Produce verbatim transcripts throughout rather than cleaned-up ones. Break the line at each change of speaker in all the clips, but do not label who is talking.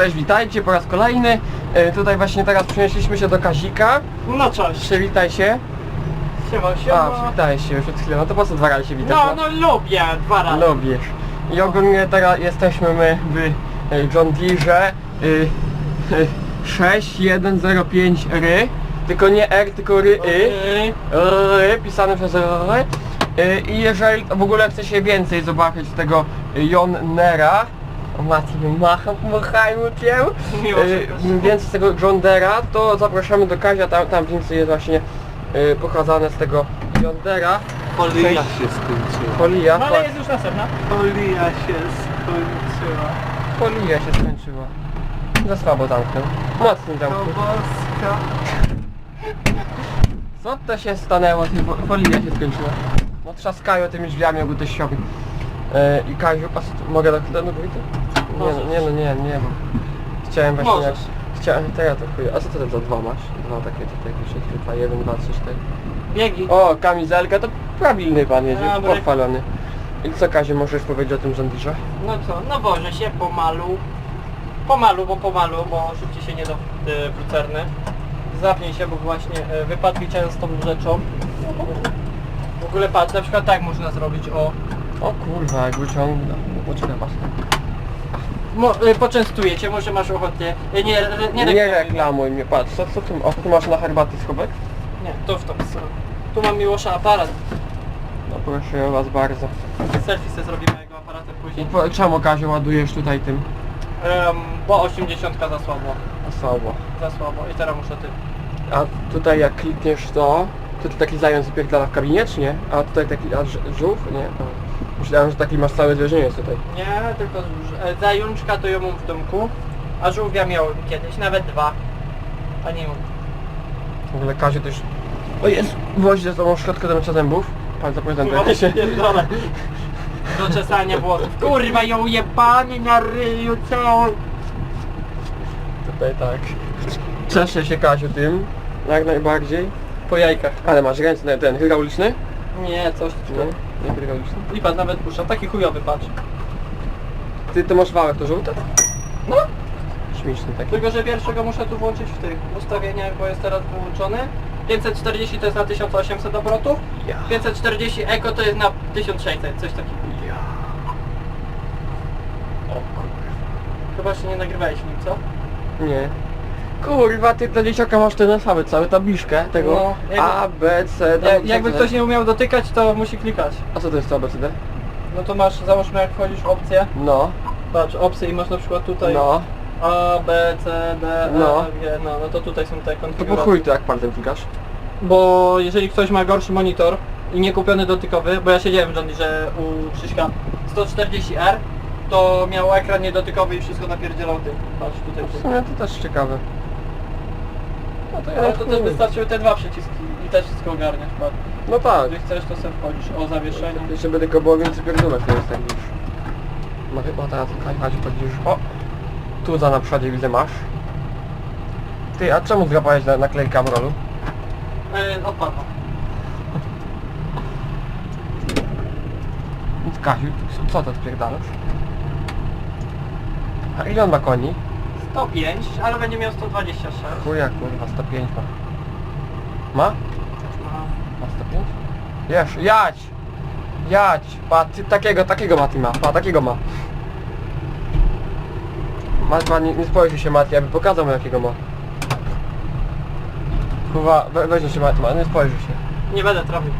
Cześć, witajcie po raz kolejny. E, tutaj właśnie teraz przenieśliśmy się do Kazika.
No cześć.
Przywitaj się.
Siema, siema.
A, przywitałeś się już przed chwilą. No to po co dwa razy się witasz?
No, no lubię dwa razy.
Lubisz. I ogólnie teraz jesteśmy my w e, John Deere y, y, sześć jeden zero pięć R. Tylko nie R, tylko R, Y. R, pisane przez R. Y, I jeżeli w ogóle chce się więcej zobaczyć z tego John Deere'a, o Mati, macham, machajmy cię, y, więcej z tego John Deere'a, to zapraszamy do Kazia, tam, tam więcej jest właśnie y, pokazane z tego John Deere'a.
Folia
Cześć.
się skończyła.
Folia,
No ale jest już następna. Folia się skończyła.
folia się skończyła. Za słabo zamknął. Mocno
To
zamknął.
boska.
Co to się stanęło? Ty, fo- Folia się skończyła. No trzaskają tymi drzwiami oguteściowi. E, I Kaziu, a co, tu- mogę do do do Nie no, nie no, nie, nie, bo chciałem właśnie jak...
Możesz.
Chciałem, to ja to chuj. A co ty za dwa masz? Dwa takie tutaj wyszedł, dwa, jeden, dwa, trzy, cztery.
Biegi.
O, kamizelka, to prawilny pan jedzie,
Dobry.
pochwalony. I co Kaziu, możesz powiedzieć o tym John Deere'ze?
No co, no wożę się pomalu. Pomalu, bo pomalu, bo szybciej się nie do y, lucerny. Zapnij się, bo właśnie y, wypadki często tą rzeczą. W ogóle patrz, na przykład tak można zrobić, o.
O kurwa, jak wyciągnę. Poczekaj, patrz.
Mo, y, poczęstuję cię, może masz ochotę. Y, nie, nie,
Nie,
nie,
nie reklamuj mnie, patrz, co, co tu, o, tu masz na herbaty schowek?
Nie, to w tą stronę. Tu mam Miłosza aparat.
No proszę was bardzo.
Selfie sobie zrobimy jego aparatem
I
później.
po, czemu Kaziu ładujesz tutaj tym?
Um, bo osiemdziesiąt za słabo.
Słabo.
Za słabo. I teraz muszę ty.
A tutaj jak klikniesz to, to ty taki zając wypierdala w kabinie, czy nie? A tutaj taki, a ż- żółw? Nie. A, myślałem, że taki masz całe zwierzę jest tutaj.
Nie, tylko z- e, zajączka to ją mam w domku. A żółwia miałem kiedyś, nawet dwa. A nie mam.
W ogóle Kaziu też... O jest! Wozi ze sobą szczotkę do mycia zębów. Pan zaprezentuje się.
pierdolę. Do czesania włosów. Kurwa ją jebany na ryju całą.
Tutaj tak. Cieszę się Kaziu tym, jak najbardziej. Po jajkach. Ale masz ręce, ten, ten hydrauliczny?
Nie, coś
Nie,
tu.
nie hydrauliczny.
I pan nawet puszcza. Taki chujowy patrz.
Ty to masz wałek to żółte?
No.
Śmieszny taki.
Tylko, że pierwszego muszę tu włączyć w tych ustawieniach, bo jest teraz wyłączony. pięćset czterdzieści to jest na tysiąc osiemset obrotów.
Ja.
pięćset czterdzieści Eco to jest na tysiąc sześćset, coś takiego.
Ja. O kurwa.
Chyba się nie nagrywałeś nim, co?
Nie. Kurwa, ty dla dzieciaka masz ten alfabet, cały tabliczkę tego
No, jakby-
A, B, C, D.
Jak, jakby ktoś nie umiał dotykać, to musi klikać.
A co to jest to A, B, C, D?
No to masz, załóżmy jak wchodzisz w opcję,
No,
patrz, opcje i masz na przykład tutaj
no.
A, B, C, D, E,
No.
F, G, no, no to tutaj są te
To po
konfiguracje.
chuj to jak palcem klikasz?
Bo jeżeli ktoś ma gorszy monitor i nie kupiony dotykowy, bo ja siedziałem w John Deere u Krzyśka sto czterdzieści R, to miał ekran niedotykowy i wszystko napierdzielał tym. Patrz tutaj.
W sumie to też ciekawe. No to ja
Ale to też wystarczyły te dwa przyciski i też wszystko ogarniasz, patrz.
No tak.
Jeżeli chcesz, to sobie wchodzisz. O, zawieszenie.
Żeby tylko było więcej pierdółek, to jest tak już. No chyba teraz Kaziu chodzisz. O! Tu za na przodzie widzę masz. Ty, a czemu złapałeś na naklejkę Amrolu?
E, odpadło.
Kaziu, co to spierdalasz? A ile on ma koni?
sto pięć, ale będzie miał sto dwadzieścia sześć.
Chuja kurwa, sto pięć ma. Ma? Ma sto pięć? Wiesz, jadź! Jadź! Pa, ty, takiego, takiego Mati ma, pa, takiego ma. Mat, ma, nie, nie spojrzy się Mati, aby pokazał mu jakiego ma. Kurwa, we, weźmie się Mati, ma, nie spojrzy się.
Nie będę trafił.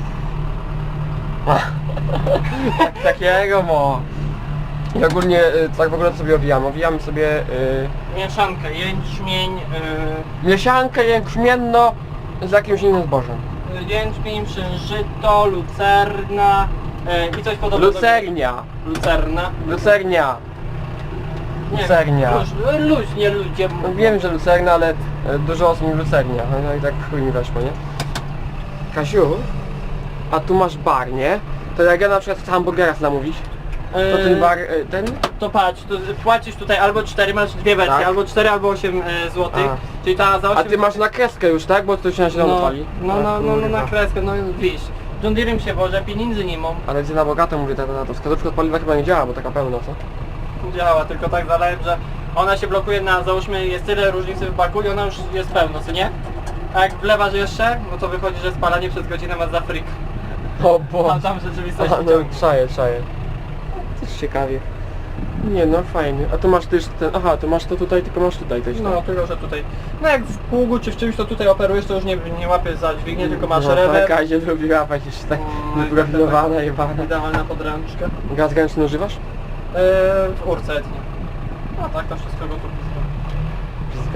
Tak, takiego ma. I ogólnie, y, tak w ogóle sobie owijamy, owijamy sobie y,
Mieszankę, jęczmień, yy,
mieszankę jęczmienno z jakimś innym zbożem.
jęczmień, przężyto, lucerna yy, i coś podobnego.
Lucernia.
Lucerna.
Lucernia.
Nie,
Lucernia.
Luź, luźnie ludzie
No
mówią.
wiem, że lucerna, ale e, dużo osób mi lucernia. No i tak chuj mi weszło, nie? Kasiu, a tu masz bar, nie? To jak ja na przykład chcę hamburgera zamówić, to
Yy,
ten bar, e, ten?
To patrz, to płacisz tutaj albo cztery, masz dwie wersje,
Tak.
albo cztery, albo osiem e, złotych.
A.
Czyli ta za osiem...
A ty masz na kreskę już, tak? Bo to się na zielono
no,
pali.
no,
A,
no, no, no na
kurwa.
kreskę, no wiesz. John Deere'em się wożę, pieniędzy nie mam.
Ale gdzie na bogato mówię, ta, ta, ta, to wskazówka od paliwa chyba nie działa, bo taka pełna, co?
Działa, tylko tak zalałem, że ona się blokuje na, załóżmy, jest tyle różnicy w baku i ona już jest pełno, co nie? A jak wlewasz jeszcze, no to wychodzi, że spalanie przez godzinę ma za freak.
O bo.
A tam rzeczywistość
Aha, no czaję, czaję. Też ciekawie. Nie no, fajny. A tu masz też ten... Aha, to masz to tutaj, tylko masz tutaj też.
No, tylko że tutaj. No jak w pługu czy w czymś to tutaj operujesz, to już nie, nie łapiesz za dźwignię, tylko masz
no,
rewer.
Kazie lubi łapać jeszcze tak
Mm,
wyprofilowana,
tak,
jebana.
Idealna podręczka.
Gaz ręczny używasz?
Eee, w urce etnie. No tak, to wszystko go tu blisko.
Blisko.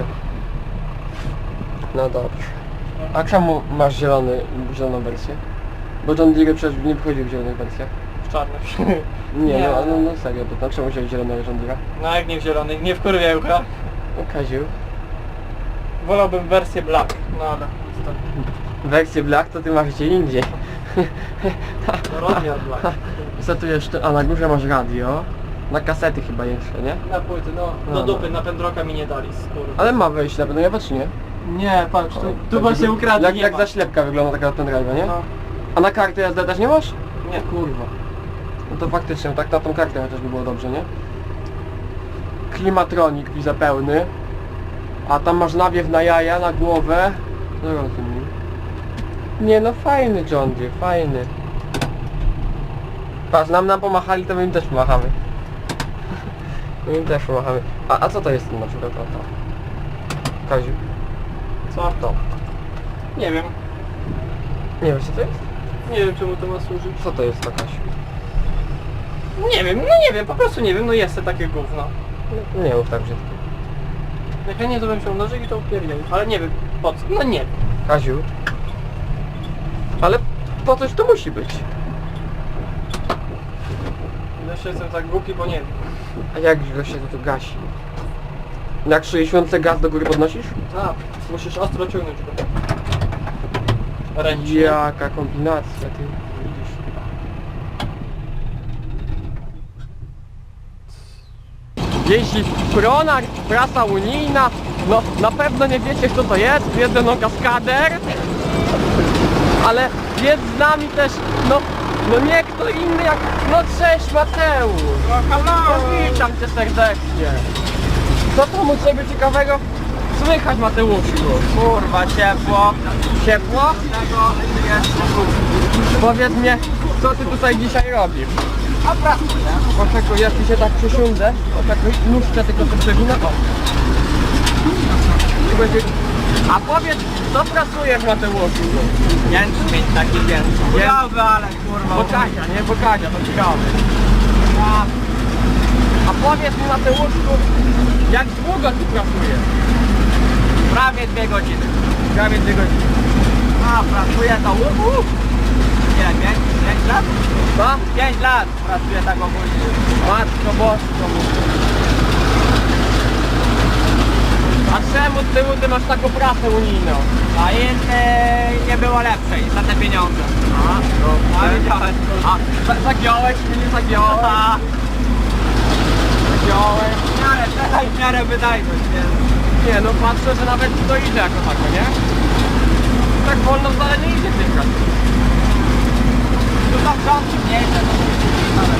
No dobrze. A czemu masz zielony, zieloną wersję? Bo John Deere przecież nie wychodził w zielonych wersjach.
W czarnych.
Nie,
Nie.
no, no, no serio, to tam czemu wziąłeś zielonego John Deere'a?
No jak nie w zielonych, nie w kurwiełka.
No Kaziu.
Wolałbym wersję black, no ale niestety.
Wersję black to ty masz gdzie indziej.
No rozmiar black.
Co tu jeszcze? A na górze masz radio. Na kasety chyba jeszcze, nie?
Na płyty, no.
No,
Do
no.
dupy, na pendroka mi nie dali, skurwa.
Ale ma wejść na pewno, ja patrz nie.
Nie, patrz, tu, tu
Tak
właśnie
wygl-
ukradli,
Jak,
nie
jak
ma.
zaślepka wygląda taka pendrive'a, nie?
No.
A na kartę jazdy też nie masz?
Nie.
Kurwa. No to faktycznie, tak na tą kartę chociaż by było dobrze, nie? Klimatronik widzę pełny. A tam masz nawiew na jaja, na głowę. No rozumiem. Nie no, fajny John Deere, fajny. Patrz, nam nam pomachali, to my im też pomachamy. My im też pomachamy. A, a co to jest na przykład? O, to. Kaziu,
Co?
to.
Nie wiem.
Nie wiesz co to jest?
Nie wiem czemu to ma służyć.
Co to jest to, Kasiu?
Nie wiem, no nie wiem, po prostu nie wiem, no jest to takie gówno.
No, nie mów tak brzydko.
Jak ja nie to bym się nożyk i to upierdział, ale nie wiem po co, no nie wiem.
Kaziu. Ale po coś to musi być.
Jeszcze jestem tak głupi, bo nie wiem.
A jak źle się to tu gasi? Jak sześćdziesiąt gaz do góry podnosisz?
A, musisz ostro ciągnąć go. Ręcznie.
Jaka kombinacja, ty widzisz. Jeśli Pronar, prasa unijna, no na pewno nie wiecie kto to jest, wiedzę no kaskader, ale jest z nami też, no, no nie kto inny jak, no cześć Mateusz.
No halo!
Witam cię serdecznie. Co tam u ciebie ciekawego słychać, Mateuszu?
Kurwa, ciepło.
Ciepło? Powiedz mnie, co ty tutaj dzisiaj robisz?
A pracuję.
Poczekaj, ja tu się tak przysiądę. Poczekaj, nóżkę tylko to przewinę. O. Tu będzie... A powiedz, co pracujesz, Mateuszu?
Jęczmień taki wielki. Chujowy, ale kurwa.
Bokania, nie? Bokania, to ciekawe. A powiedz mi, Mateuszu, jak długo tu pracujesz?
Prawie dwie godziny.
Prawie dwie godziny.
A, pracuję to uhu. Ile, pięć? Pięć lat?
Co?
Pięć lat pracuję tak ogólnie.
Matko Bosko. A czemu ty, ty masz taką pracę unijną?
A innej nie było lepszej za te pieniądze.
A, no,
A widziałeś.
A, za- zagiąłeś mnie, nie zagiąłeś?
A,
Zagiąłeś?
w miarę, teraz w miarę wydajność, więc...
Nie, no patrzę, że nawet to idzie jako tako, nie? Tak wolno wcale nie idzie w tej pracy.
Tu są rządki mniejsze, to nawet.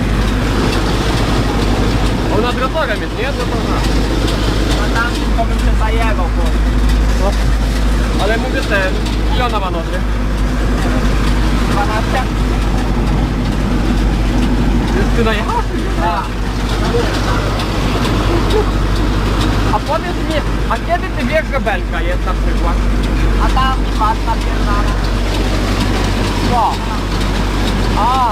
On nad rotorem jest, nie? To to zna.
No tam tylko bym się zajebał, kurwa.
No. Ale mówię ten, ile ona ma nocy?
dwanaście?
Jest ty najechał?
A.
A powiedz mi, a kiedy ty wiesz, że belka jest na przykład?
A tam patrz na pierdolę.
Co? A.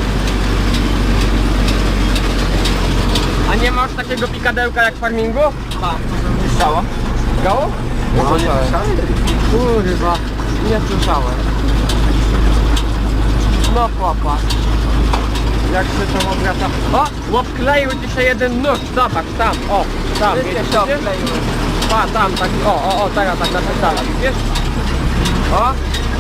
A nie masz takiego pikadełka jak w farmingu?
Tam, nie strzała.
Gało?
No, nie
słyszałem. Kurwa, nie słyszałem. No popatrz. Jak się to obraca. O! Odkleił ci się jeden nóż, zobacz, tam, o, tam,
Wszystkie
widzisz?
się obkleiły.
A, tam, tak, o, o, o, teraz tak napisałem, wiesz? O!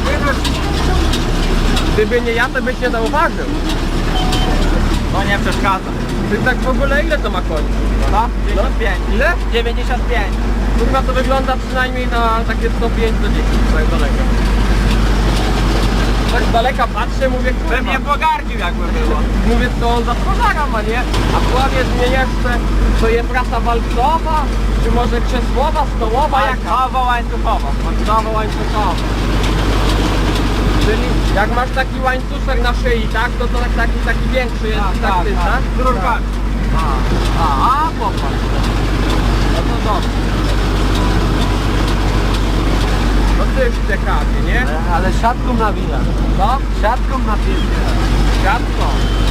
Gdyby nie ja, to byś nie zauważył.
To nie przeszkadza.
Ty tak w ogóle ile to ma koni?
No, dziewięćdziesiąt pięć.
Ile?
dziewięćdziesiąt pięć.
Kurwa, to wygląda przynajmniej na takie sto pięć do dziesięć, tak daleko. tak z daleka patrzę, mówię, kurwa.
Pewnie pogardził jakby było.
Mówię, to on za twarzara ma, nie? A powiedz mnie jeszcze, to jest prasa walcowa, czy może krzesłowa, stołowa, jaka?
Łańcuchowo, łańcuchowo.
Walcowa, łańcuchowa. Czyli jak masz taki łańcuszek na szyi, tak? To, to tak, taki, taki większy jest, tak, tak, ty, tak?
Z rurkami.
A, a, a, popatrz. No to dobrze. No też ciekawie, nie?
Ale siatką nawija.
Co?
Siatką nawija.
Siatko.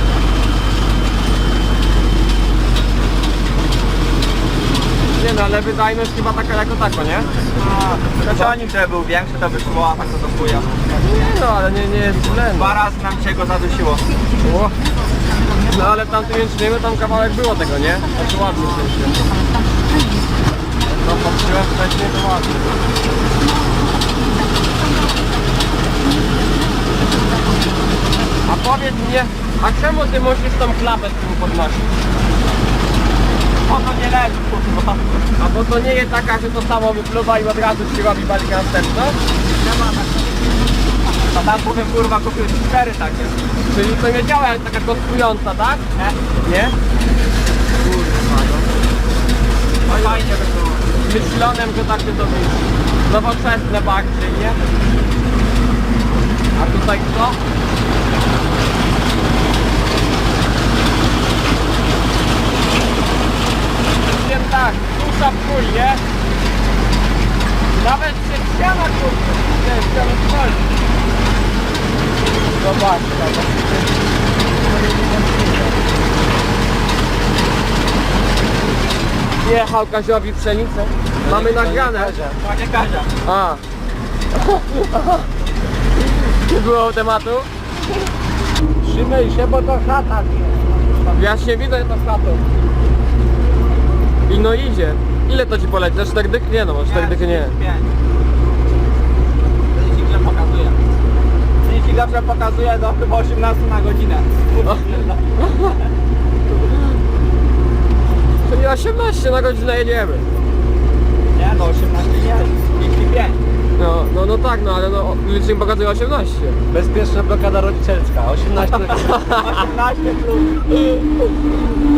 Nie no, ale wydajność chyba taka jako tako, nie?
Kocionik, żeby był większy, to by szło, a tak to do chuja.
Nie no, ale nie, nie jest źle. No.
Dwa razy nam się go zadusiło.
O. No ale w tamtym jęczmieniu tam kawałek było tego, nie? Znaczy ładnie w sensie. No patrzyłem wcześniej, to ładnie. A powiedz mnie, a czemu ty musisz tą klapę z tym podnosić?
O, to nie leży, kurwa.
A bo to nie jest taka, że to samo wypluwa i od razu ci robi balik następno?
Nie ma tak. A tam powiem, kurwa, kupił cztery takie.
Czyli to nie działa jak taka kostkująca, tak?
Nie?
Nie? Kurwa, no.
No fajnie by było.
Myślonym, że takie to być nowoczesne bardziej, nie? A tutaj co? Wiem tak, tusza w chuj, nie? Nawet się ściana kurczę, nie, ściana stoi. Zobaczcie, jechał Kaziowi pszenicę. Mamy nagrane.
Panie Kazia.
A. Nie było tematu?
Trzymaj się, bo to szatan.
Ja się widzę to szatą. I no idzie. Ile to ci poleci? Za cztery dychy? Nie no, może cztery dychy nie.
Licznik źle pokazuje. Licznik zawsze pokazuje do chyba osiemnaście na godzinę.
Czyli osiemnaście na godzinę jedziemy.
Nie, no osiemnaście nie, trzydzieści pięć.
No, no, no tak, no ale no, licznik pokazuje osiemnaście.
Bezpieczna blokada rodzicielska, osiemnaście. osiemnaście plus.